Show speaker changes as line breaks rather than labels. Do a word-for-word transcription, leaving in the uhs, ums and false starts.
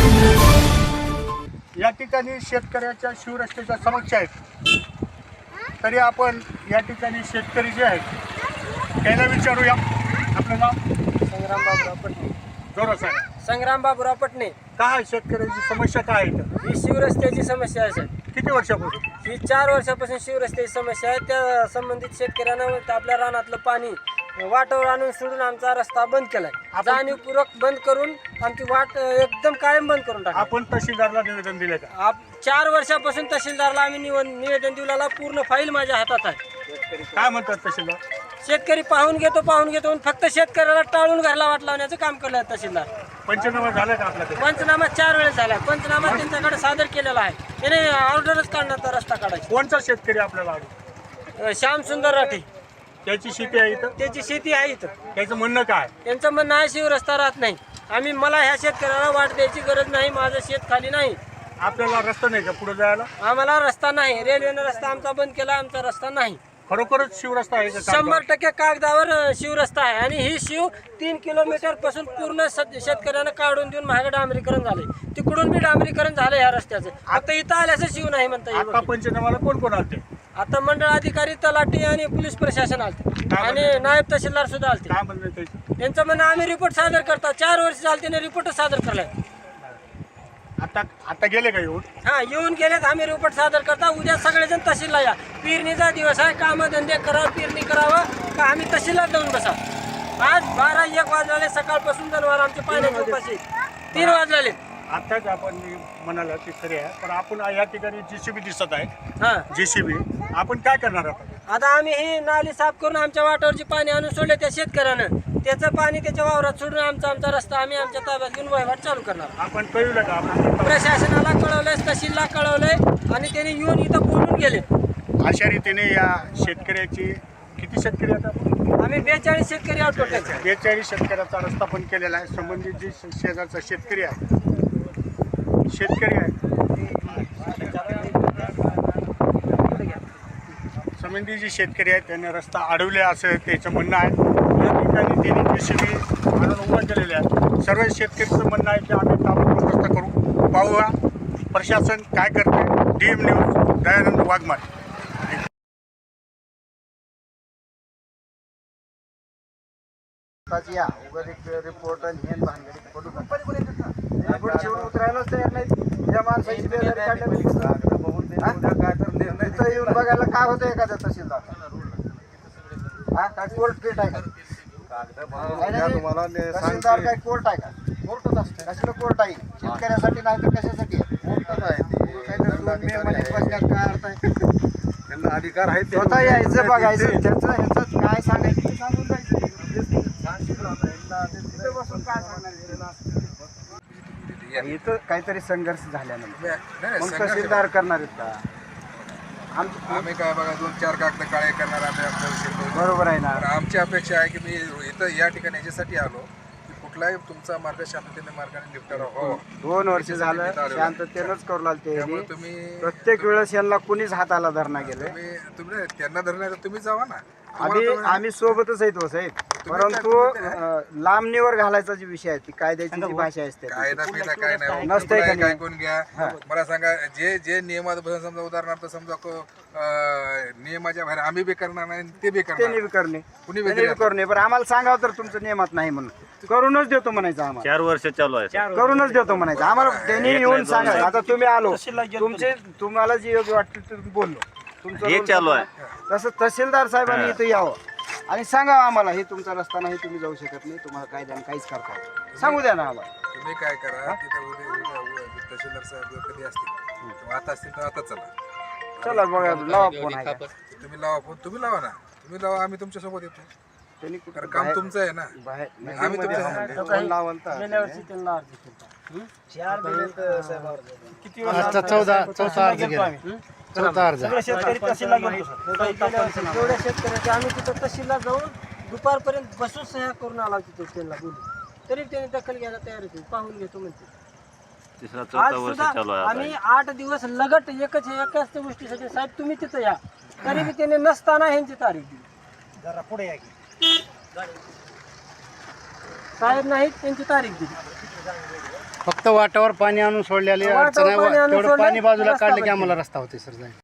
या ठिकाणी शेतकऱ्याच्या शिवरस्त्याच्या समस्या आहेत. तरी आपण या ठिकाणी शेतकरी जे आहेत त्यांना विचारूया. आपलं नाव?
संग्राम बाबूराव पटणे.
जोरात सांगा.
संग्राम बाबूराव पटणे.
काय शेतकऱ्याची समस्या काय आहे?
ही शिवरस्त्याची समस्या आहे साहेब.
किती वर्षापासून?
ही चार वर्षापासून शिवरस्त्याची समस्या आहे. त्या संबंधित शेतकऱ्यांना आपल्या रानातलं पाणी वाटावर आणून सोडून आमचा रस्ता बंद केलाय. जाणीवपूर्वक बंद करून आमची वाट एकदम कायम बंद करून टाकली.
आपण तहसीलदारला निवेदन दिले का?
आप चार वर्षापासून तहसीलदारला आम्ही निव निवेदन दिलेला. पूर्ण फाईल माझ्या हातात आहे.
काय म्हणतात तहसीलदार?
शेतकरी पाहून घेतो पाहून घेतो फक्त शेतकऱ्याला टाळून घरला वाट लावण्याचं काम केलं तहसीलदार.
पंचनामा झाला का आपल्याकडे?
पंचनामा चार वेळेस झाला. पंचनामा त्यांच्याकडे सादर केलेला आहे. त्याने ऑर्डरच काढण्याचा रस्ता काढायचा.
कोणचा शेतकरी आपल्याला आवडतो?
श्याम सुंदर राठी.
त्याची शेती आहे इथं?
त्याची शेती आहे इथं.
त्याचं म्हणणं काय?
त्यांचं म्हणणं आहे शिव रस्ता राहत नाही. आम्ही मला ह्या शेतकऱ्याला वाट द्यायची गरज नाही. माझं शेत खाली नाही.
आपल्याला रस्ता नाही का पुढे जायला?
आम्हाला रस्ता नाही. रेल्वेनं रस्ता आमचा बंद केला. आमचा रस्ता नाही.
खरोखरच शिवरस्ता आहे का?
शंभर टक्के कागदावर शिव रस्ता आहे. आणि ही शिव तीन किलोमीटर पासून पूर्ण शेतकऱ्यांना काढून देऊन महाग डांबरीकरण झाले. तिकडून बी डांबरीकरण झालं ह्या रस्त्याचं. आता इथं आल्याचं शिव नाही म्हणता
आता
येईल.
पंचनामाला कोण कोण आलते?
आता मंडळ अधिकारी, तलाठी आणि पोलीस प्रशासन आलते आणि नायब तहसीलदार सुद्धा आलते.
काय म्हणलं त्याचं?
त्यांचं म्हणणं आम्ही रिपोर्ट सादर करता. चार वर्ष झाले त्याने रिपोर्ट सादर केलाय.
आता आता गेले का येऊन?
हा येऊन गेलेत. आम्ही रिपोर्ट सादर करता. उद्या सगळेजण तहसीलला या. पेरणीचा दिवस आहे. कामधंदे करा, पेरणी करावं का आम्ही तहसीलला जाऊन बसा. आज बारा एक वाजले. सकाळपासून जनावर आमचे पाण्याचे उपाशी तीन वाजले.
आताच आपण म्हणाला की खरे आहे, पण आपण या ठिकाणी जेसीबी दिसत आहे.
हा
जेसीबी आपण काय करणार आहोत?
आता आम्ही ही नाली साफ करून आमच्या वाटावरची पाणी आणून सोडले त्या शेतकऱ्यानं. त्याचं पाणी त्याच्या वावरात सोडून आमचा आमचा रस्ता आम्ही आमच्या ताब्यात घेऊन वहिवाट चालू करणार.
आपण कळवलं का? आपण
प्रशासनाला कळवलंय, तहसीलला कळवलंय आणि त्यांनी येऊन इथं बोलून गेले.
अशा रीतीने या शेतकऱ्याची किती शेतकरी आता?
आम्ही बेचाळीस शेतकरी आहोत टोटल.
बेचाळीस शेतकऱ्याचा रस्ता पण केलेला आहे. संबंधित जे शेजारचा शेतकरी आहे शेतकरी आहे संबंधित जे शेतकरी आहेत त्यांनी रस्ता अडवले असं त्याचं म्हणणं आहे. या ठिकाणी त्यांनी जेसीबी आणून उभं केलेले आहे. सर्व शेतकऱ्यांचं म्हणणं आहे की आम्ही ताबडतोब रस्ता करू. पाहूया प्रशासन काय करते. D M news, Dayanand Waghmare.
या उगाच एक रिपोर्ट आणि हे भानगडी पडू नका. रिपोर्ट शेवट उतरायलाच तयार नाही. या माणसाची बेजारी काढल्या बघून काय तर निर्णय येऊन बघायला काय होतं एखाद्या तहसीलदार. हा काय कोर्ट पीठ आहे का? तहसीलदार काय कोर्ट आहे का? कोर्टच असते. कशाला कोर्ट आहे? शेतकऱ्यासाठी नाही तर कशासाठी काय अर्थ आहे? त्यांना अधिकार आहे. स्वतः यायचं बघायचं त्याचं ह्याचं काय सांगायचं ते सांगून जायचं. इथं काहीतरी संघर्ष झाल्यानंतर मग तहसीलदार करणार आहेत का?
आम्ही काय बघा दोन चार कागद काळे करणार आम्ही.
बरोबर आहे ना.
आमची अपेक्षा आहे की मी इथं या ठिकाणी याच्यासाठी आलो की कुठलाही तुमचा मार्ग शांततेने मार्गाने निपटारा हो.
दोन वर्ष झालं शांततेनंच करू लागते.
त्यामुळे तुम्ही
प्रत्येक वेळेस यांना कुणीच हाताला धरणा गेले.
तुम्ही तुम्ही त्यांना धरणार तुम्ही जावा ना.
आम्ही आम्ही सोबतच आहेत हो साहेब. परंतु लांबणीवर घालायचा जी विषय आहे ती कायद्याची जी भाषा असते
कायदा पिदा काय नाही
नसतंय का?
काय कोण घ्या. मला सांगा जे जे नियमात समजा उदाहरणार्थ समजा नियमाच्या बाहेर आम्ही बी करणार नाही ते बी
ते
करणार
करणे
कुणी
बी करणे. पण आम्हाला सांगावं तर तुमचं नियमात नाही म्हणून करूनच देतो म्हणायचं. आम्हाला
चार वर्ष चालू आहे.
करूनच देतो म्हणायचं. आम्हाला त्यांनी येऊन सांगा. आता तुम्ही आलो तुमचे तुम्हाला जे योग्य वाटतं तुम्ही बोललो तुमचं
हे चालू आहे.
तसं तहसीलदार साहेबांनी इथं यावं आणि सांगा आम्हाला हे तुमचा रस्ता नाही तुम्ही जाऊ शकत नाही. तुम्हाला कायद्याने काहीच करता येत सांगू द्या ना आम्हाला.
तुम्ही काय करा तिथं उद्या उद्या तहसीलदार साहेब कधी असतील आता असतील तर आता चला
चला बघा लावा फोन आहे.
तुम्ही लावा फोन तुम्ही लावा ना. तुम्ही लावा आम्ही तुमच्या सोबत येतो.
त्यांनी
कारण काम तुमचं आहे ना. आम्ही तुमच्या
फोन लावाल तर
चौदा चौथा अर्ज गेला. चौथा अर्ज
शेतकरी तहसीलला गेलो. एवढ्या शेतकऱ्याचे आम्ही तिथं तहसीलला जाऊन दुपारपर्यंत बसून सह्या करून आला तिथे त्यांना बोलू. तरी त्याने दखल घ्यायला तयार होते. पाहून घेतो म्हणते.
तिसरा
आज
चौथा वर्ष
सुद्धा
चालू आहे.
आम्ही आठ दिवस लगट एकच एकाच गोष्टीसाठी साहेब तुम्ही तिथं या. तरी बी त्याने नसताना ह्यांची तारीख दिली.
जरा पुढे या
साहेब नाहीत त्यांची तारीख दिली.
फक्त वाटावर पाणी आणून सोडलेले
वाटावर
अडचण आहे
पाणी आणून
तेवढं
सोडलं,
पाणी बाजूला
रस्ता
काढलं की
बंद
आम्हाला रस्ता होते सर जाईल